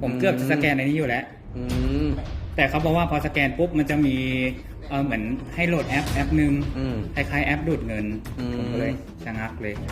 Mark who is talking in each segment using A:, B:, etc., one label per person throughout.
A: ผมเกือบจะสแกนในนี้อยู่แล้วแต่เขาบอกว่าพอสแกนปุ๊บมันจะมีเหมือนให้โหลดแอปหนึ่งคล้ายๆแอปดูดเงินผมก็เลยชะงักเลย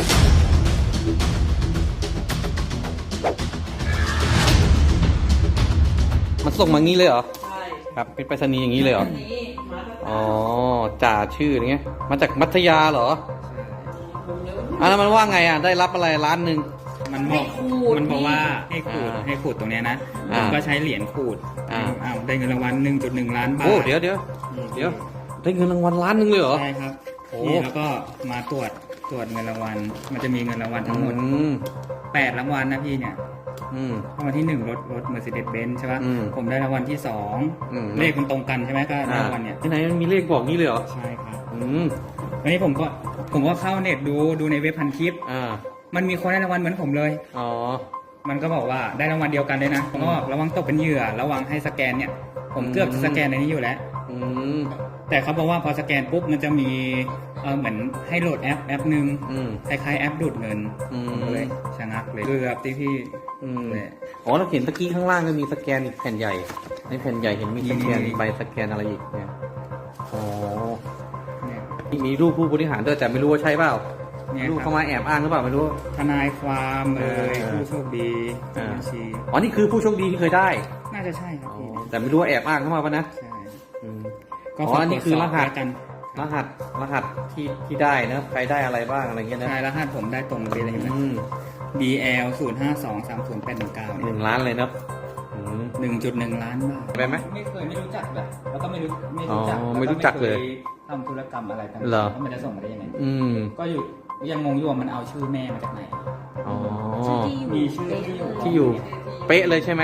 B: มันส่งมางี้เลยเหรอ
C: ใช่
B: ครับเป็นไปรษณีย์อย่างนี้เลยเหรอ
C: อันนี้มาตั้งแต่
B: อ๋อจ่าชื่ออย่างเงี้ยมาจากมัธยาเหรอแล้วมันว่าไงอ่ะได้รับอะไรล้านหนึ่ง
A: มันบอกว่าให้ขูดตรงเนี้ยนะผมก็ใช้เหรียญขูดได้เงินรางวัล 1.1 ล้านบาท
B: โอ้เดี๋ยวได้เงินรางวัลล้านหนึ่งเลยเหรอ
A: ใช่ครับ
B: โอ้
A: นี่แล้วก็มาตรวจเงินรางวัลมันจะมีเงินรางวัลทั้งหมด8รางวัลนะพี่เนี่ยรางวัลที่1รถ Mercedes-Benz ใช่ป่ะผมได้รางวัลที่2เลขมันตรงกันใช่ไหมก็รางวัลเนี่ย
B: ที่ไหนมันมีเลขบอกงี้เลยเหรอ
A: ใช่ครับวันนี้ผมก็เข้าเน็ตดูในเว็บพันทิปมันมีคนได้รางวัลเหมือนผมเลยมันก็บอกว่าได้รางวัลเดียวกันเลยนะผมก็ระวังตกเป็นเหยื่อระวังให้สแกนเนี่ยผมเกือบจะสแกนในนี้อยู่แล้วแต่เขาบอกว่าพอสแกนปุ๊บมันจะมีเหมือนให้โหลดแอปหนึ่งคล้ายๆแอปดูดเงินผมก็เลยชะงักเลยเกือบที่พี่
B: อ๋อเราเห็นตะกี้ข้างล่างก็มีสแกนอีกแผ่นใหญ่ในแผ่นใหญ่เห็นมีสแกนใบสแกนอะไรอีกเนี่ยอ๋อมีรูปผู้บริหารด้วยแต่ไม่รู้ว่าใช่เปล่ารูปเขามาแอบอ้างหรือเปล่าไม่รู้
A: ทนายความผู้โชคดีบัญชี
B: อ๋อนี่คือผู้โชคดีที่เคยได้
A: น่าจะใช่ครับ
B: แต่ไม่รู้ว่าแอบอ้างเข้ามาป่ะนะ
A: ใช่
B: อ๋อนี่คือรหัสกันรหัสที่ได้นะใครได้อะไรบ้างอะไรเงี้ยนะ
A: ใช่รหัสผมได้ตรงเลยเห็นไหม BL 052308191
B: 1 ล้านเลยเนาะ
A: 1.1 ล้านบาท
B: ไปไหม
A: ไม่รู้จักแบบแล้วก็ไม่รู้
B: จักเลย
A: ทำธุรกรรมอะไรกัน
B: แล้ว
A: มันจะส่งมาได้ยังไงก็ยังงงอยู่ว่ามันเอาชื่อแม่มาจากไหนมีชื่อ
B: ที่อยู่เป๊ะเลยใช่ไหม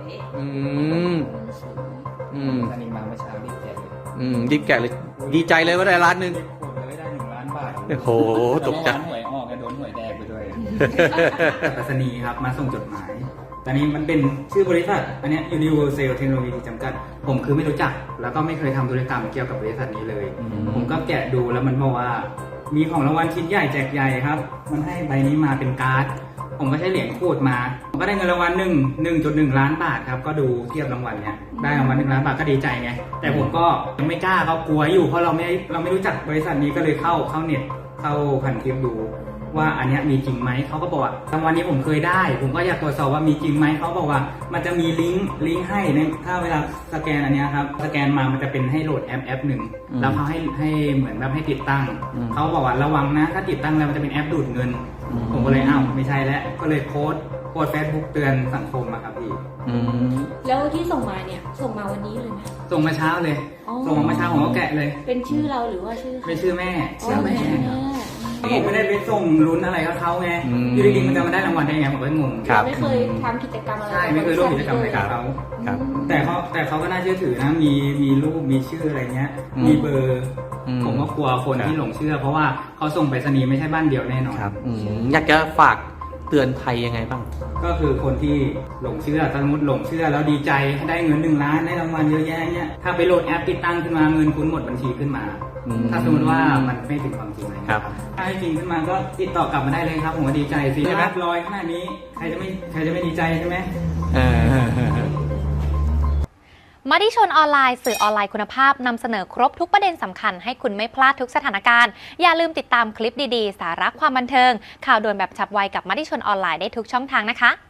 A: สนิมมาเมื่อเช้ารีบแกะเลย
B: รีบแกะเลยดีใจเลยว่าได้ล้านหนึ่ง
A: ได้1 ล้านบาท
B: โอ้โหตกใจ
A: หวยออกโดนหวยแดงไปด้วยไปรษณีย์ครับมาส่งจดหมายตอนนี้มันเป็นชื่อบริษัทอันนี้ Universal Technology จำกัดผมคือไม่รู้จักแล้วก็ไม่เคยทำธุรกรรมเกี่ยวกับบริษัทนี้เลยผมก็แกะดูแล้วมันบอกว่ามีของรางวัลชิ้นใหญ่แจกใหญ่ครับมันให้ใบนี้มาเป็นการ์ดผมก็ใช้เหรียญขูดมาผมก็ได้เงินรางวัล1.1 ล้านบาทครับก็ดูเทียบรางวัลเนี่ยได้รางวัล1 ล้านบาทก็ดีใจไงแต่ผมก็ยังไม่กล้าเขากลัวอยู่เพราะเราไม่รู้จักบริษัทนี้ก็เลยเข้าเน็ตเข้าพันทิปดูว่าอันนี้มีจริงไหมเขาก็บอกว่ารางวัลนี้ผมเคยได้ผมก็อยากตรวจสอบว่ามีจริงไหมเขาบอกว่ามันจะมีลิงก์ให้ในถ้าเวลาสแกนอันนี้ครับสแกนมามันจะเป็นให้โหลดแอปหนึ่งแล้วเขาให้เหมือนแบบให้ติดตั้งเขาบอกว่าระวังนะถ้าติดตั้งแล้วมันจะเป็นแอปดูดเงินผมก็เลยไม่ใช่แล้วก็เลยโพสต์เฟซบุ๊กเตือนสังคมมาครับพี่
D: แล้วที่ส่งมาเนี่ยส่งมาวันนี้เลยไหม
A: ส่งมาเช้าเลยส่งมาเช้าผมก็แกะเลย
D: เป็นชื่อเราหรือว่าชื่อ
A: เป็นชื่อแม่ผมไม่ได้ไปส่งลุ้นอะไรกับเขาไงอยู่ดีๆมันจะมาได้รางวัลได้ไงผมก็งง
D: ไม่เคยทำกิจกรรมอะไร
A: ใช่ไม่เคยร่วมกิจกรรมอะไรกับเขาแต่เขาก็น่าเชื่อถือนะมีรูปมีชื่ออะไรเงี้ยมีเบอร์ผมก็กลัวคนที่หลงเชื่อเพราะว่าเขาส่งไปรษณีย์ไม่ใช่บ้านเดียวแน่นอน
B: อยากจะฝากเตือนภัยยังไงบ้าง
A: ก็คือคนที่หลงเชื่อสมมติหลงเชื่อแล้วดีใจได้เงิน1 ล้านได้รางวัลเยอะแยะเนี่ยถ้าไปโหลดแอปติดตั้งขึ้นมาเงินคุณหมดบัญชีขึ้นมาถ้าสมมติว่ามันไม่ถึงความจริงเลยครับถ้าให้จริงขึ้นมาก็ติดต่อกลับมาได้เลยครับผมก็ดีใจสิรับรอยขนาดนี้ใครจะไม่ดีใจใช่ไหม
E: มติชนออนไลน์สื่อออนไลน์คุณภาพนำเสนอครบทุกประเด็นสำคัญให้คุณไม่พลาดทุกสถานการณ์อย่าลืมติดตามคลิปดีๆสาระความบันเทิงข่าวด่วนแบบฉับไวกับมติชนออนไลน์ได้ทุกช่องทางนะคะ